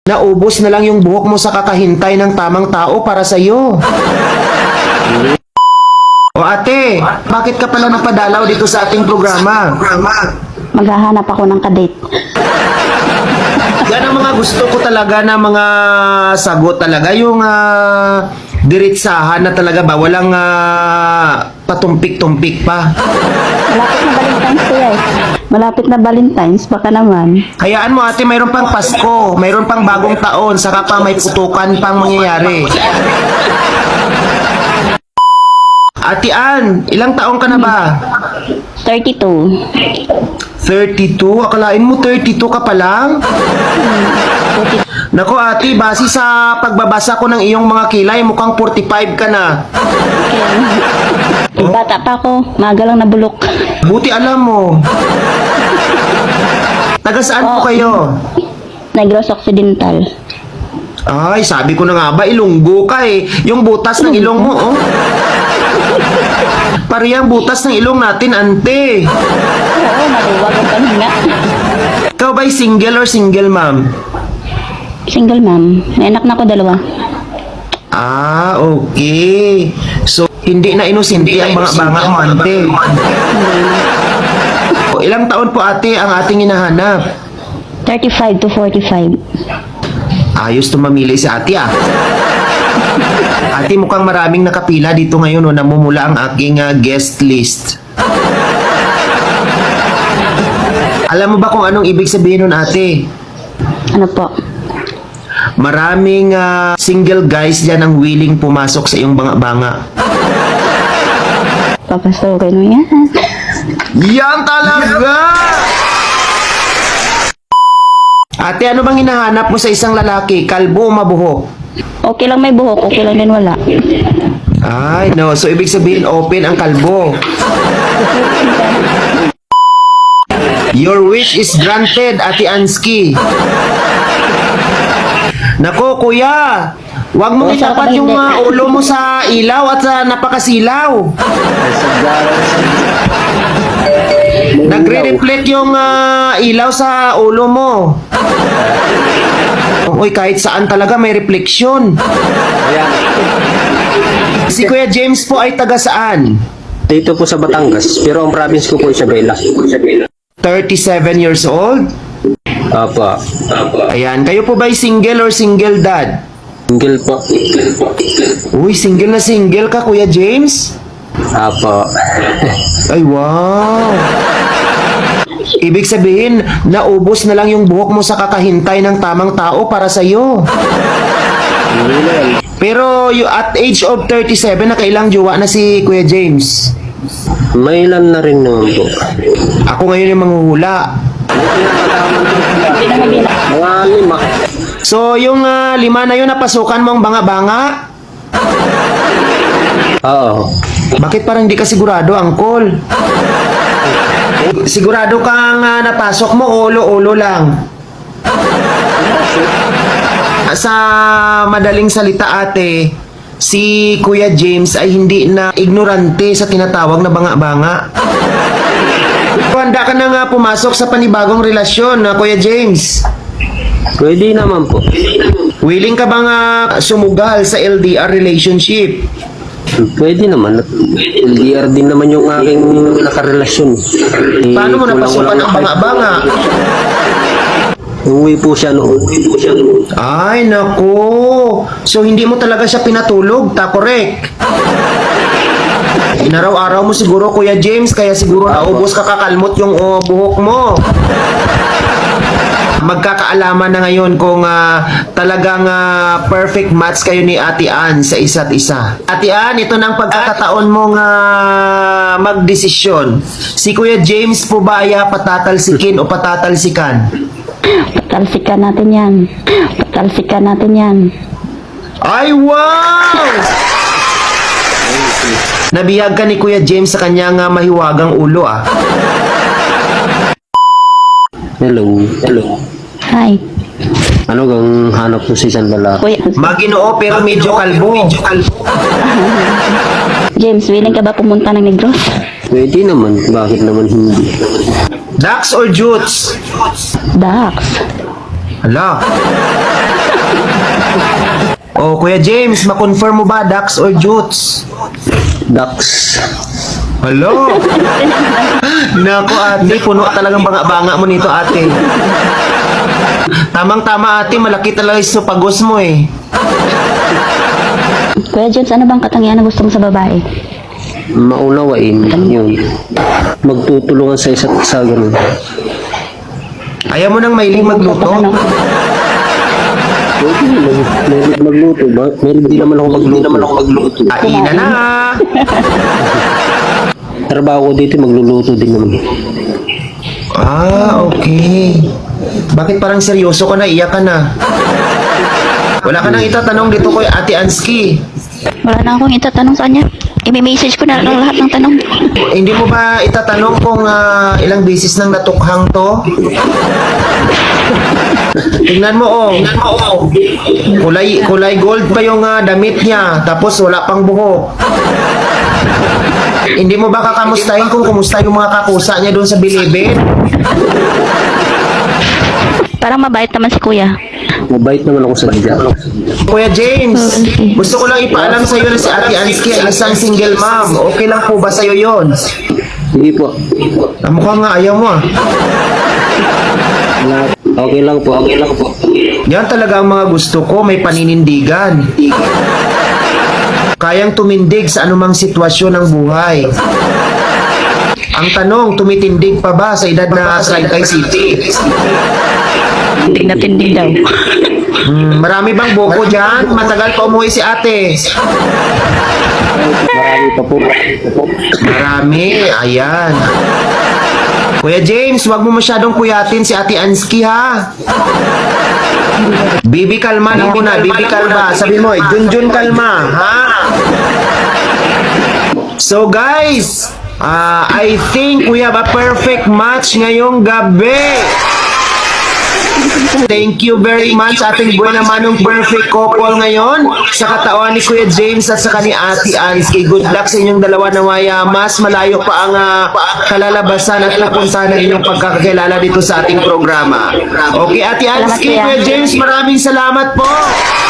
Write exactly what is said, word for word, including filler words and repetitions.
Naubos na lang yung buhok mo sa kakahintay ng tamang tao para sa'yo. O ate, bakit ka pala napadalaw dito sa ating programa? Maghahanap ako ng kadate. Yan ang mga gusto ko talaga na mga sagot talaga. Yung uh, diretsahan na talaga ba? Walang uh, patumpik-tumpik pa. Malapit na Valentine's kuya eh. Malapit na Valentine's, baka naman. Hayaan mo ate, mayroon pang Pasko, mayroon pang bagong taon, saka pa may putukan pang mangyayari. Ate Ann, ilang taong ka na ba? thirty-two. thirty-two? Akalain mo thirty-two ka pa lang? Nako ate, base sa pagbabasa ko ng iyong mga kilay, mukhang forty-five ka na. Eh, bata pa ako, maga lang nabulok. Buti alam mo. Taga saan po kayo? Negros Occidental. Ay, sabi ko na nga ba, ilunggo ka eh. Yung butas ng ilong mo, oh. Parehang butas ng ilong natin, ante. Oo, maluwag ang panghinga. Ikaw ba'y single or single, ma'am? Single ma'am. May anak na ako dalawa. Ah, okay. So, hindi na inosente ang mga banga mo, ante. O, ilang taon po ate ang ating hinahanap? thirty-five to forty-five. Ayos tumamili si ate ah. Ate, mukhang maraming nakapila dito ngayon, no, namumula ang aking uh, guest list. Alam mo ba kung anong ibig sabihin nun, ate? Ano po? Maraming uh, single guys dyan ang willing pumasok sa iyong banga-banga. Papasukin mo yan. Yan talaga! Ate, ano bang hinahanap mo sa isang lalaki? Kalbo o mabuhok? Okay lang may buhok, okay lang din wala. Ay, no. So, ibig sabihin, open ang kalbo. Your wish is granted, Ate Ansky. Nako, kuya. Huwag mong Oh, itapat sarap yung hindi. uh, ulo mo sa ilaw at sa napakasilaw. Nagre-reflect yung uh, ilaw sa ulo mo. Uy, kahit saan talaga may refleksyon. Si Kuya James po ay taga saan? Dito po sa Batangas, pero ang province ko po Isabela. thirty-seven years old? Apa, Ayan, kayo po ba'y single or single dad? single po. Uy, single na single ka, Kuya James? Apa. Ay, wow! Ibig sabihin, naubos na lang yung buhok mo sa kakahintay ng tamang tao para sa'yo. Pero you, at age of thirty-seven, nakailang jowa na si Kuya James? May ilan na rin naman po. Ako ngayon yung manghuhula. Mga lima. So, yung uh, lima na yun, napasukan mo ang banga-banga? Oo. Bakit parang di ka sigurado, Angkol? Sigurado kang uh, napasok mo, ulo-ulo lang. Sa madaling salita, ate, si Kuya James ay hindi na ignorante sa tinatawag na banga-banga. Handa ka na nga pumasok sa panibagong relasyon, na Kuya James. Pwede naman po. Willing ka bang uh, sumugal sa L D R relationship? Pwede naman. L D R din naman yung aking nakarelasyon. Eh, Paano mo kulang- napasukan kulang- ang banga-banga? Uwi po siya noon. Uwi po siya noon. Ay, naku. So, hindi mo talaga siya pinatulog, ta, correct? Inaraw-araw mo siguro, Kuya James, kaya siguro naubos ka kakalmot yung oh, buhok mo. Magkakaalaman na ngayon kung uh, talagang uh, perfect match kayo ni Ate Ann sa isa't isa. Ate Ann, ito na ang pagkakataon mong uh, magdesisyon. Si Kuya James po ba ay uh, patatalsikin o patatalsikan? Patalsikan natin yan. Patalsikan natin yan. Ay, wow! Nabihag ka ni Kuya James sa kanyang uh, mahiwagang ulo, ah. Hello. Hello. Hi. Ano gang hanap mo sa isang lalaki? Kuya, Maginoo pero medyo kalbo. James, willing ka ba pumunta ng Negros? Pwede naman. Bakit naman hindi? Dax or Jutes? Dax. Hala. Oh, Kuya James, ma-confirm mo ba Dax or Jutes? Dax. Hello? Nako ate, puno talagang banga-banga mo nito ate. Tamang-tama ate, malaki talaga yung pagos mo eh. Kuya James, ano bang katangian na gusto mo sa babae? Maunawain. Yun. Magtutulungan sa isa't isa. Ganun. Ayaw mo nang mailing magluto? Ano? Pwede naman. Meron magluto ba? Meron din naman ako magluto. naman ako magluto. Kainan na! Trabaho ko dito, magluluto din naman. Ah, okay. Bakit parang seryoso ka na? Iyak ka na. Wala ka nang itatanong dito kay Ate Anski. Wala na akong itatanong sa kanya. I-message ko na lang lahat ng tanong. Hindi mo ba itatanong kung ah, ilang beses nang natukhang to? Tingnan mo oh. Tingnan mo oh. Kulay, kulay gold pa yung ah, damit niya. Tapos wala pang buhok. Hindi mo ba kakamustahin kung kumusta yung mga kakusa niya doon sa bilibid? Parang mabait naman si kuya. Mabait naman ako sa dyan. Kuya James, gusto ko lang ipaalam sa iyo na si Ate Anski ay isang single mom. Okay lang po ba sa iyo yon? Sige po. Ah, mukhang nga ayaw mo ah. Wala. Okay lang po. Okay lang po. Yan talaga ang mga gusto ko, may paninindigan. Kayang tumindig sa anumang sitwasyon ng buhay. Ang tanong, tumitindig pa ba sa edad na Salcay City? Tindig na tindig daw. Hmm, marami bang buko dyan? Matagal pa umuwi si ate. Marami pa po. Marami, ayan. Kuya James, wag mo masyadong kuyatin si Ate Anski ha. Bibi kalma na muna, Bibi kalma. Sabi mo, eh, Junjun kalma, ha? So guys, uh, I think we have a perfect match ngayong gabi. Thank you very much ating buwan naman ng perfect couple ngayon sa katawan ni Kuya James at saka ni Ate Anski. Good luck sa inyong dalawa na maya. Mas malayo pa ang uh, kalalabasan at napuntahan ng inyong pagkakakilala dito sa ating programa. Okay, Ate Anski, Kuya James, maraming salamat po.